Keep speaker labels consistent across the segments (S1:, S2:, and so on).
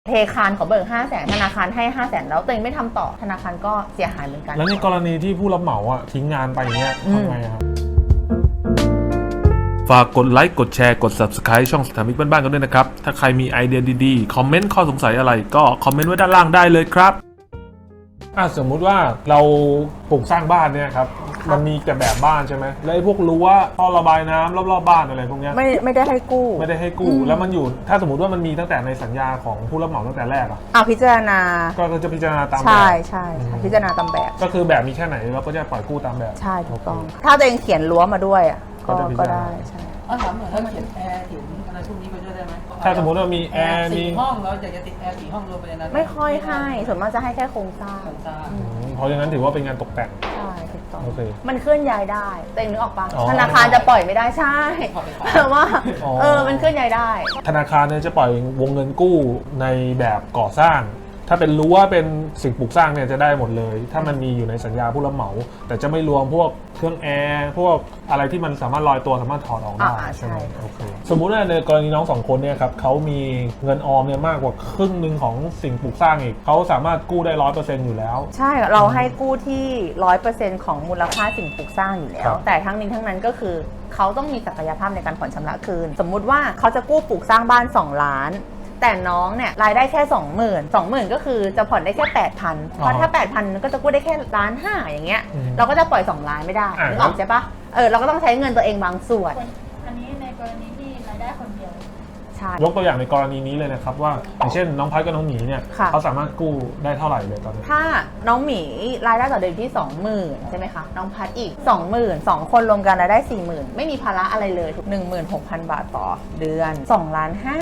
S1: เทคานขอเบิก500,000ธนาคารให้500,000แล้วตัวเองไม่ทำต่อธนาคารก็เสียหายเหมือนกัน
S2: แล้วในกรณีที่ผู้รับเหมาทิ้งงานไปอย่างเงี้ยทำไงครับฝากกดไลค์กดแชร์กด Subscribe ช่องสถามิกบ้านๆกันด้วยนะครับถ้าใครมีไอเดียดีๆคอมเมนต์ข้อสงสัยอะไรก็คอมเมนต์ไว้ด้านล่างได้เลยครับสมมุติว่าเราปลูกสร้างบ้านเนี่ยครับมันมีแต่แบบบ้านใช่ไหมแล้วไอ้พวกรั้วท่อระบายน้ำรอบๆบ้านอะไรพวกเนี้ย
S1: ไม่ได้ให้กู้
S2: แล้วมันอยู่ถ้าสมมติว่ามันมีตั้งแต่ในสัญญาของผู้รับเหมาตั้งแต่แรก
S1: พิจารณา
S2: ก็จะพิจารณาตามแบบ
S1: ใช่พิจารณาตามแบบ
S2: ก็คือแบบมีแค่ไหนเราก็จะปล่อยกู้ตามแบบ
S1: ใช่ถูกต้องถ้าตัวเองเขียนรั้วมาด้วยก็ได้ใช่
S3: ถามหน่อยถ้าเขียนแอร์ถึงอะไรพวกนี้ไปด้วยได้ไหม
S2: ถ้าสมมติว่ามีแอร์มี
S3: 4 ห้องเราอยากจะติดแอร์4 ห้องรวมไปในนั้น
S1: ไม่ค่อยให้ส่วนมากจะให้แค่โครงสร้าง
S2: เพราะอย่างนั้นถือว่าเป็นงานตกแต่ง
S1: ใช่ถูกต้อง
S2: โอเค
S1: มันเคลื่อนย้ายได้แต่เองนึกออกปะธนาคารจะปล่อยไม่ได้ใช่แต่ว่ามันเคลื่อนย้ายได้
S2: ธนาคารเนี่ยจะปล่อยวงเงินกู้ในแบบก่อสร้างถ้าเป็นรั้วเป็นสิ่งปลูกสร้างเนี่ยจะได้หมดเลยถ้ามันมีอยู่ในสัญญาผู้รับเหมาแต่จะไม่รวมพวกเครื่องแอร์พวกอะไรที่มันสามารถลอยตัวสามารถถอดออกได้ใช่ไหมโอเคสมมุติว่าในกรณีน้อง2 คนเนี่ยครับเขามีเงินออมเนี่ยมากกว่าครึ่งนึงของสิ่งปลูกสร้างอีกเขาสามารถกู้ได้ 100% อยู่แล้ว
S1: ใช่เราให้กู้ที่ 100% ของมูลค่าสิ่งปลูกสร้างอยู่แล้วแต่ทั้งนี้ทั้งนั้นก็คือเขาต้องมีศักยภาพในการผ่อนชำระคืนสมมุติว่าเขาจะกู้ปลูกสร้างบ้าน2 ล้านแต่น้องเนี่ยรายได้แค่ 20,000 ก็คือจะผ่อนได้แค่ 8,000 เพราะถ้า 8,000 ก็จะกู้ได้แค่1.5 ล้านอย่างเงี้ยเราก็จะปล่อย2 ล้านไม่ได้นึกออกใช่ปะเราก็ต้องใช้เงินตัวเองบางส่วน
S4: อันนี้ในกรณีที่รายได้คนเดียว
S1: ใช่
S2: ยกตัวอย่างในกรณีนี้เลยนะครับว่าอย่างเช่นน้องพัดกับน้องหมีเนี่ยเขาสามารถกู้ได้เท่าไหร่เลยตอนนี้
S1: ถ้าน้องหมีรายได้ต่อเดือนที่ 20,000 ใช่ไหมคะน้องพัดอีก 20,000 2 คนรวมกันรายได้ 40,000 ไม่มีภาระอะไรเลยทุก 16,000 บาทต่อเดือน2.5 ล้านค่ะ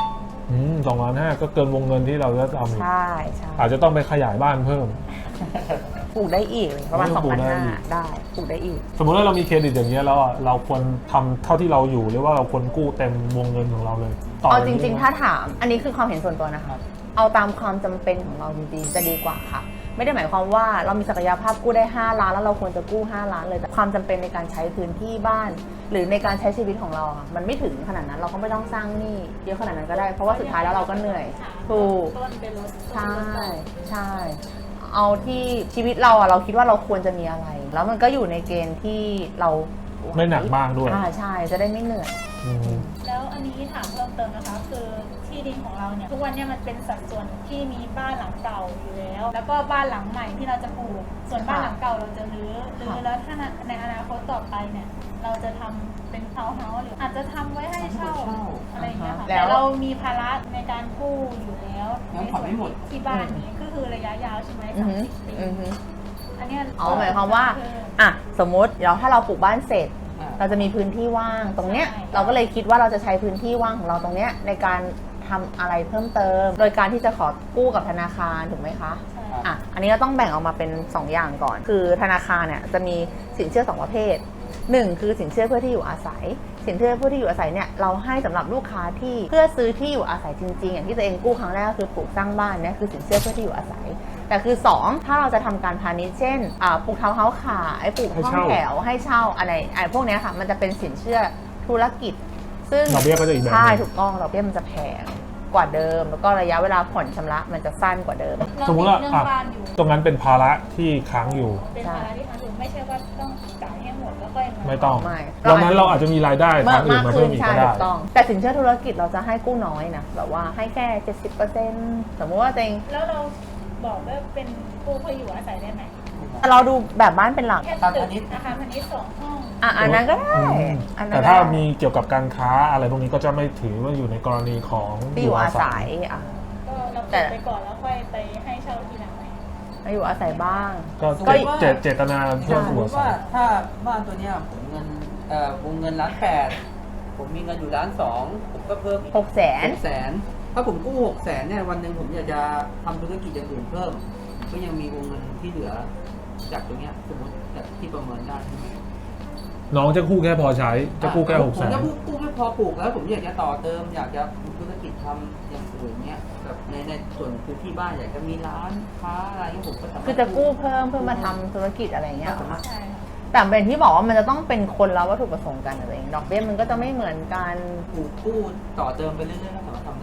S2: 2.5 ล้านก็เกินวงเงินที่เราจะทำ
S1: ใช่
S2: อาจจะต้องไปขยายบ้านเพิ่ม
S1: ปลูกได้อีกประมาณ 2,500 ได้ปลูกได้อีก
S2: สมมติว่าเรามีเครดิตอย่างนี้แล้วเราควรทำเท่าที่เราอยู่หรือว่าเราควรกู้เต็มวงเงินของเราเลย
S1: เอาจริงๆถ้าถามอันนี้คือความเห็นส่วนตัวนะคะเอาตามความจำเป็นของเราจริงๆจะดีกว่าค่ะไม่ได้หมายความว่าเรามีศักยภาพกู้ได้5 ล้านแล้วเราควรจะกู้5 ล้านเลยแต่ความจำเป็นในการใช้พื้นที่บ้านหรือในการใช้ชีวิตของเราค่ะมันไม่ถึงขนาดนั้นเราก็ไม่ต้องสร้างหนี้เยอะขนาดนั้นก็ได้เพราะว่าสุดท้ายแล้วเราก็เหนื่อยถูกใช่เอาที่ชีวิตเราเราคิดว่าเราควรจะมีอะไรแล้วมันก็อยู่ในเกณฑ์ที่เรา
S2: ไม่หนักมากด้วย
S1: ใช่จะได้ไม่เหนื่อย
S4: แล้วอันนี้ถามเพิ่มเติมนะคะคือที่ดินของเราเนี่ยทุกวันนี้มันเป็นสัดส่วนที่มีบ้านหลังเก่าอยู่แล้วก็บ้านหลังใหม่ที่เราจะปลูกส่วนบ้านหลังเก่าเราจะรื้อแล้วถ้าในอนาคตต่อไปเนี่ยเราจะทำเป็นทาวน์เฮาส์หรืออาจจะทำไว้ให้เช่าอะไรอย่างเงี้ยค่ะแต่เรามีภาระในการกู้อยู่แล้วในส่วนที่บ้านนี้ก็คือระยะยาวใช่ไหม30 ปีอันนี้
S1: หมายความว่าสมมติถ้าเราปลูกบ้านเสร็จเราจะมีพื้นที่ว่างตรงเนี้ยเราก็เลยคิดว่าเราจะใช้พื้นที่ว่างของเราตรงเนี้ยในการทำอะไรเพิ่มเติมโดยการที่จะขอกู้กับธนาคารถูกไหมคะอันนี้เราต้องแบ่งออกมาเป็น2 อย่างก่อนคือธนาคารเนี่ยจะมีสินเชื่อ2 ประเภท1คือสินเชื่อเพื่อที่อยู่อาศัยสินเชื่อเพื่อที่อยู่อาศัยเนี่ยเราให้สำหรับลูกค้าที่เพื่อซื้อที่อยู่อาศัยจริงๆอย่างที่ตัวเองกู้ครั้งแรกก็คือปลูกสร้างบ้านเนี่ยคือสินเชื่อเพื่อที่อยู่อาศัยแต่คือ2ถ้าเราจะทำการพาณิชย์เช่นปลูกทาวน์เฮาส์ขายปลูกห้องแถวให้เช่าอะไรพวกนี้ค่ะมันจะเป็นสินเชื่อธุรกิจซึ่ง
S2: ดอกเบี้ยก็จะอีกแบบ
S1: ใช่ถูกต้องดอกเบี้ยมันจะแพงกว่าเดิมแล้วก็ระยะเวลาผ่อนชำระมันจะสั้นกว่าเดิม
S2: สมมติว่าตรงนั้นเป็นภาระที่ค้างอยู่
S4: เป็นภาระที่ค้างอยู่ไม่ใช่ว่าต้องจ่ายให้หมดแล้วก็
S2: ไม่ต้องวันนั้นเราอาจจะมีรายได้ทางอื่นมาเพิ่มอีกก็ได้
S1: แต่สินเชื่อธุรกิจเราจะให้กู้น้อยนะแบบว่าให้แค่ 70% สมมติว่าเอง
S4: แล้วเราบอกว่าเป็นกู้เพื่ออยู่อาศัยได้ไหม
S1: เราดูแบบบ้านเป็นหลัก
S4: แค่ตึกนะคะพาณิชย์2 ห้อง
S1: อันนั้นก็ได้
S2: แต่ถ้ามีเกี่ยวกับการค้าอะไรพวกนี้ก็จะไม่ถือว่าอยู่ในกรณีของ
S1: ที่อยู่อาศัย
S4: ก็เราเปิดไปก่อนแล้วค่อยไปให้เช่าทีหลังไหม
S1: อยู่อาศัยบ้าง
S2: ก็เจตนาเพื่อ
S3: สมมติว่าถ้าบ้านตัวเนี้ยผมเงินวงเงิน1.8 ล้านผมมีเงินอยู่1.2 ล้านผมก็เพิ่มอีก600,000ถ้าผมกู้600,000เนี่ยวันหนึ่งผมอยากจะทำธุรกิจอย่างอื่นเพิ่มก็ยังมีวงเงินที่เหลือจากตรงเนี้ยสมมติที่ประเมินได้ใช่ไหม
S2: น้องจะกู้แค่พอใช้จะกู้แค่600,000
S3: ผมจะกู้แค่พอปลูกแล้วผมอยากจะต่อเติมอยากจะธุรกิจทำอย่างอื่นเนี้ยแบบในส่วนพื้นที่บ้านอยากจะมีร้านค้าอะไรเงี้ยผมก็สามารถ
S1: คือจะกู้เพิ่มเพื่อมาทำธุรกิจอะไรเงี้ยแต่เป็นที่บอกว่ามันจะต้องเป็นคนละวัตถุประสงค์กันอะไรเองดอกเบี้ยมันก็จะไม่เหมือนกัน
S3: กู้ต่อเติมไปเรื่อยๆก็สามารถทำได้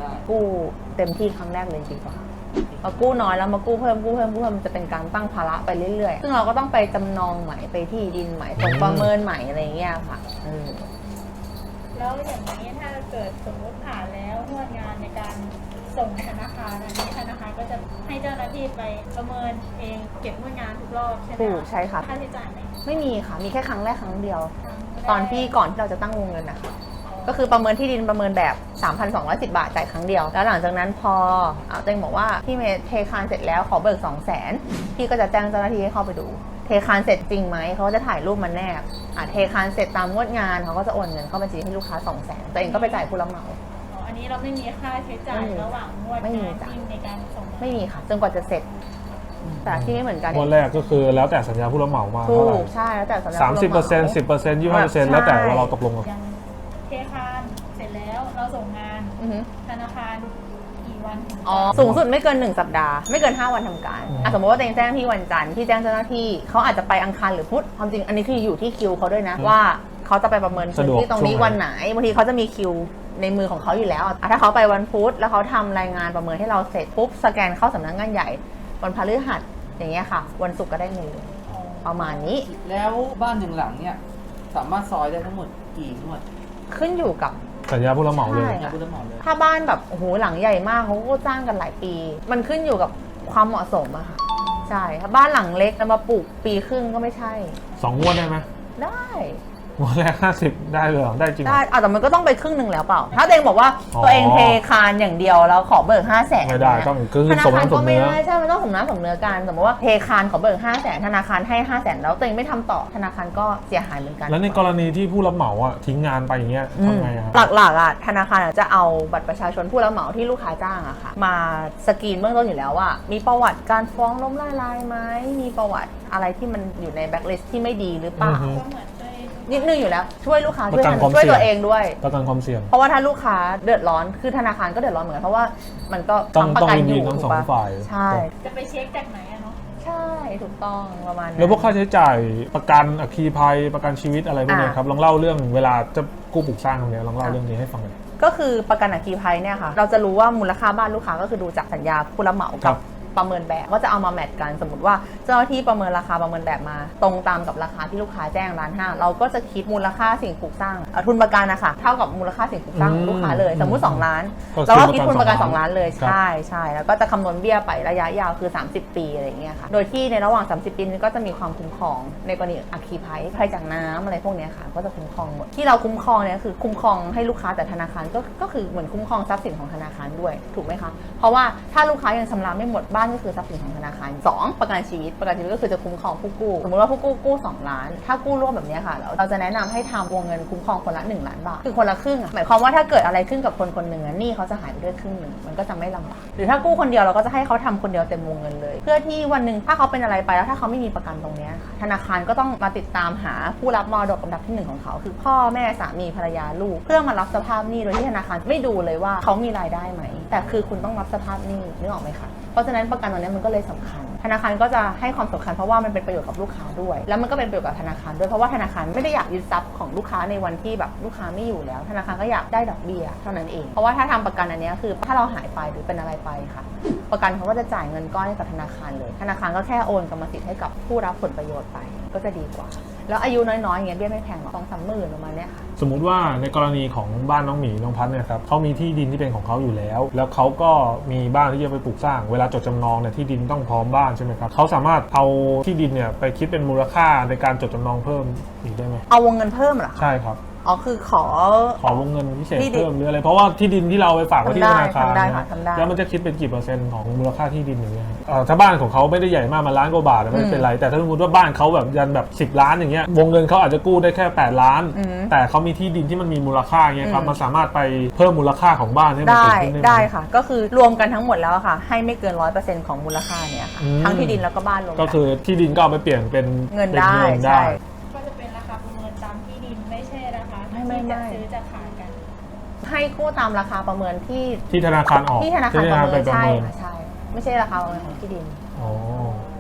S1: กู้เต็มที่ครั้งแรกเลยดีกว่ามากู้น้อยแล้วมากู้เพิ่มมันจะเป็นการตั้งภาระไปเรื่อยๆซึ่งเราก็ต้องไปจำนองใหม่ไปที่ดินใหม่ส่งประเมินใหม่อะไรอย่างเงี้ยค่ะ
S4: แล้วอย่างนี้ถ้าเกิดสมมติผ่านแล้วงวดงานในการส่งธนาคารอันนี้ธนาคารก็จะให้เจ้าหน้าที่ไปประเมินเองเก็บงวดงานทุกรอบใช่ไหม
S1: ถูกใช่ค่ะ
S4: ค่าใช้จ่ายไหม
S1: ไม่มีค่ะมีแค่ครั้งแรกครั้งเดียว
S4: ครั้งแรก
S1: ตอนที่ก่อนที่เราจะตั้งวงเงินนะคะก็คือประเมินที่ดินประเมินแบบ 3,210 บาทจ่ายครั้งเดียวแล้วหลังจากนั้นพอเจงบอกว่าพี่เมย์เทคานเสร็จแล้วขอเบิก 200,000 พี่ก็จะแจ้งเจ้าหน้าที่ให้เข้าไปดูเทคานเสร็จจริงไหมเขาก็จะถ่ายรูปมาแนบเทคานเสร็จตามงวดงานเขาก็จะโอนเงินเข้าบัญชีให้ลูกค้า 200,000 ตัวเองก็ไปจ่ายผู้รับเหมา
S4: อันนี้เราไม่มีค่าใช้จ่ายระหว่างงวด
S1: ไม่มี
S4: งาน
S1: จ้ะ
S4: ที่ในการส่ง
S1: ไม่มีค่ะจนกว่าจะเสร็จแต่ที่ไม่เหมือนกัน
S2: งวดแรกก็คือแล้วแต่สัญญาผู้รับเหมามา
S1: ถู
S2: เท่าไหร่
S1: กใช่แล้วแต่สัญญา
S2: 30% 10% 25%แล้วแต่ว่าเราตกลงกัน
S4: ยังเทคานเสร็จแล้วเราส่งงาน
S1: อือฮึ
S4: ธนาคารกี่วันถึงจะ
S1: สูงสุดไม่เกิน1 สัปดาห์ไม่เกิน5 วันทำการสมมติว่าตัวเองแจ้งที่วันจันทร์ที่แจ้งเจ้าหน้าที่เขาอาจจะไปอังคารหรือพุธความจริงอันนี้คืออยู่ที่คิวเขาด้วยนะว่าเขาจะไปประเมินพื้นที่ตรงนี้วันไหนบางทีเขาจะมีคิวในมือของเขาอยู่แล้วถ้าเขาไปวันพุธแล้วเขาทำรายงานประเมินให้เราเสร็จปุ๊บสแกนเข้าสำนักงานใหญ่วันพฤหัสอย่างเงี้ยค่ะวันศุกร์ก็ได้เงินเลยประมาณนี้
S3: แล้วบ้านหนึ่งหลังเนี่ยสามารถซอยได้ทั้งหมดกี่งวด
S1: ขึ้นอยู่กับ
S2: สัญญาผู้รับเหมาเลย
S1: ใช่
S3: นะคุณต้องหมอเลย
S1: ถ้าบ้านแบบโอ้โหหลังใหญ่มากเขาก็จ้างกันหลายปี มันขึ้นอยู่กับความเหมาะสมอะค่ะใช่ถ้าบ้านหลังเล็กจะมาปลูกปีครึ่งก็ไม่ใช่
S2: 2 งวดได้ไหม
S1: ได้
S2: งวดแรก50ได้เลยเหรอได้จริงเหร
S1: ได้
S2: อ
S1: แต่มันก็ต้องไปครึ่งหนึ่งแล้วเปล่า ถ้าตัวเองบอกว่า
S2: อ๋อ
S1: ตัวเองเทคานอย่างเดียวแล้วขอเบิก500,000
S2: ไม่ได้ต้องคือ
S1: ธนา
S2: สม
S1: คาร
S2: น้ำส
S1: ก็
S2: ม
S1: ไม่
S2: เนื้อ
S1: ได้ใช่มันต้องสมน้ำสมเนื้อกันสมมติว่าเทคานขอเบิก500,000ธนาคารให้500,000แล้วตัวเองไม่ทำต่อธนาคารก็เสียหายเหมือนกัน
S2: แล้วในกรณีที่ผู้รับเหมาอ่ะทิ้งงานไปอย่างเงี้ยทำไงอะ
S1: หลักๆอ่ะธนาคารจะเอาบัตรประชาชนผู้รับเหมาที่ลูกค้าจ้างอะค่ะมาสกรีนเบื้องต้นอยู่แล้วว่ามีประวัติการฟ้องล้มละลายไหมมีประวัติอะไรที่มันอยู่ในแบ็คลิสต์ที่ไม่ดีหรือเปล่า
S2: อือฮึ
S4: ก็เหมือนด้วย
S1: นิดนึงอยู่แล้วช่วยลูกค้า
S2: ประกันความ
S1: ช่วย
S2: เสี่ยง
S1: ตัวเองด้วย
S2: ประกันความเสี่ยง
S1: เพราะว่าถ้าลูกค้าเดือดร้อนคือธนาคารก็เดือดร้อนเหมือนกันเพราะว่ามันก็
S2: ต้อง
S1: ทำประกันอยู่
S2: ต้องวินวินทั้ง
S1: ถูกปะ
S2: 2 ฝ่าย
S1: ใช่
S4: จะไปเช็คจากไหนอะเนาะ
S1: ใช่ถูกต้องประมาณนั้น
S2: แล้วพวกค่าใช้จ่ายประกันอัคคีภัยประกันชีวิตอะไรพวกเนี้ยครับลองเล่าเรื่องเวลาจะกู้ปลูกสร้างตรงเนี้ยลองเล่าเรื่องนี้ให้ฟังหน่อย
S1: ก็คือประกันอัคคีภัยเนี่ยค่ะเราจะรู้ว่ามูลค่าบ้านลูกค้าก็คือดูจากสัญญาผู้รับเหมา
S2: ครั
S1: กับบ ประเมินแบบก็จะเอามาแมทกันสมมติว่าเจ้าหน้าที่ประเมินราคาประเมินแบบมาตรงตามกับราคาที่ลูกค้าแจ้ง1,500,000เราก็จะคิดมูลค่าสิ่งปลูกสร้างทุนประกันนะคะเท่ากับมูลค่าสิ่งปลูกสร้างของลูกค้าเลยสมมุติ2 ล้าน
S2: ก็
S1: เราก็คิดทุนประกัน
S2: 2
S1: 2 ล้านเลย
S2: ครับ
S1: ใช่แล้วก็จะคำนวณเบี้ยไประยะยาวคือ30 ปีอะไรอย่างเงี้ยค่ะโดยที่ในระหว่าง30 ปีนี้ก็จะมีความคุ้มครองในกรณีอัคคีภัยจากน้ำอะไรพวกเนี้ยค่ะก็จะคุ้มครองหมดที่เราคุ้มครองเนี่ยคือคุ้มครองให้ลูกค้าแต่ธนาคารก็คือเหมือนคุ้มครองทรัพย์สินของธนาคารด้วยถูกไหมคะเพราะว่าถ้าลูกค้ายังชำระไม่หมดบ้านก็คือทรัพย์สินของธนาคาร2ประกันชีวิตก็คือจะคุ้มครองผู้กู้สมมติว่าผู้กู้2 ล้านถ้ากู้ร่วมแบบเนี้ยค่ะเราจะแนะนำให้ทำวงเงินคุ้มครองคนละ1 ล้านบาทคือคนละครึ่งหมายความว่าถ้าเกิดอะไรขึ้นกับคนคนหนึ่งหนี้เขาจะหายไปด้วยครึ่งหนึ่งมันก็จะไม่ลำบากหรือถ้ากู้คนเดียวเราก็จะให้เขาทำคนเดียวเต็มวงเงินเลย เพื่อที่วันหนึ่งถ้าเขาเป็นอะไรไปแล้วถ้าเขาไม่มีประกันตรงเนี้ยค่ะธนาคารก็ต้องมาติดตามหาผู้รับมรดกลำดับที่1ของเขาคือพ่อแม่สามีภรรยาลูกเพื่อมารับสภาพหนี้โดยที่ธนาคารไม่ดูเลยว่าเขามีรายได้ไหมแต่คือคุณต้องรับสภาพหนี้นึกออกไหมคะเพราะฉะนั้นประกันตรงนี้มันก็เลยสำคัญธนาคารก็จะให้ความสำคัญเพราะว่ามันเป็นประโยชน์กับลูกค้าด้วยแล้วมันก็เป็นประโยชน์กับธนาคารด้วยเพราะว่าธนาคารไม่ได้อยากยึดทรัพย์ของลูกค้าในวันที่แบบลูกค้าไม่อยู่แล้วธนาคารก็อยากได้ดอกเบี้ยเท่านั้นเองเพราะว่าถ้าทำประกันอันนี้คือถ้าเราหายไปหรือเป็นอะไรไปค่ะประกันเขาก็จะจ่ายเงินก้อนให้กับธนาคารเลยธนาคารก็แค่โอนกรรมสิทธิ์ให้กับผู้รับผลประโยชน์ไปก็จะดีกว่าแล้วอายุน้อยๆอย่างเงี้ยเบี้ยไม่แพงหรอก2-3 หมื่นประมาณเนี้ยค่ะ
S2: สมมุติว่าในกรณีของบ้านน้องหมีน้องพัดเนี่ยครับเขามีที่ดินที่เป็นของเขาอยู่แล้วแล้วเขาก็มีบ้านที่จะไปปลูกสร้างเวลาจดจำนองเนี่ยที่ดินต้องพร้อมบ้านใช่ไหมครับเขาสามารถเอาที่ดินเนี่ยไปคิดเป็นมูลค่าในการจดจำนองเพิ่มอีกได้ไหม
S1: เอาวงเงินเพิ่มเหรอคะ
S2: ใช่ครับ
S1: อ๋อคือขอ
S2: วงเงินพิเศษ
S1: ที่ดิน
S2: เพิ่มหรืออะไรเพราะว่าที่ดินที่เราไปฝากไว้ที่ธนาคาร
S1: ทำได้
S2: นะ
S1: ค่ะทำได้
S2: แล้วมันจะคิดเป็นกี่เปอร์เซ็นต์ของมูลค่าที่ดินอย่างเงี้ยถ้าบ้านของเขาไม่ได้ใหญ่มากมาล้านกว่าบาทไม่เป็นไรแต่ถ้าสมมติว่าบ้านเขาแบบยันแบบ10 ล้านอย่างเงี้ยวงเงินเขาอาจจะกู้ได้แค่8 ล้าน แต่เขามีที่ดินที่มันมีมูลค่าเงี้ยครับมันสามารถไปเพิ่มมูลค่าของบ้านให้มัน
S1: ได้
S2: สูงขึ้นได้ไหม
S1: ได้ค่ะ ก็คือรวมกันทั้งหมดแล้วค่ะให้ไม่เกิน 100% ของมูลค่าเนี่ยค่ะทั้งที่ดินแล้วก็บ้านรวม
S2: ก็คือที่ดินก็เอาไปเปลี่ยนเป็น
S1: เงินได้
S2: ป็
S1: ใช่
S4: ก็จะเป็นราคาประเมินตามที่ดินไม่ใช่ราคา
S1: ไม่
S4: ที่จะซื้อจะขายกัน
S1: ให้กู้ตามราคาประเมินที่
S2: ที่ธนาคารออก
S1: ที่ธนาคารประเมิน
S2: ไปประ
S1: ใช่
S2: เมิน
S1: ค่ะใช่ไม่ใช่ราคาประเมินของที่ดิน
S2: อ๋อ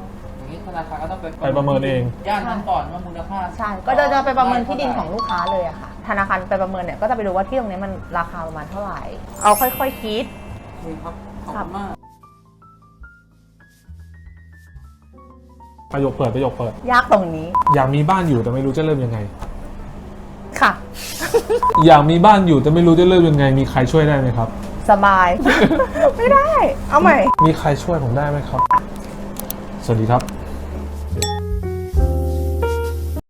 S3: อย่างนี้ธนาคารก็ต้อง
S2: ไปประเมินเอง
S3: ย่านนั้นก่อนว่ามูลค่า
S1: ใช่ก็จะไปประเมินที่ดินของลูกค้าเลยอะค่ะธนาคารไปประเมินเนี่ยก็จะไปดูว่าที่ตรงนี้มันราคาประมาณเท่าไหร่เอาค่อยๆคิด
S3: โอเคครับขอบคุณมาก
S2: ประโยคเปิด
S1: ยากตรงนี้
S2: อยากมีบ้านอยู่แต่ไม่รู้จะเริ่มยังไง
S1: ค่ะ
S2: อยากมีบ้านอยู่แต่ไม่รู้จะเริ่มยังไง มีใครช่วยได้ไหมครับ
S1: สบาย ไม่ได้ เอาใหม่
S2: มีใครช่วยผมได้ไหมครับ สวัสดีครับ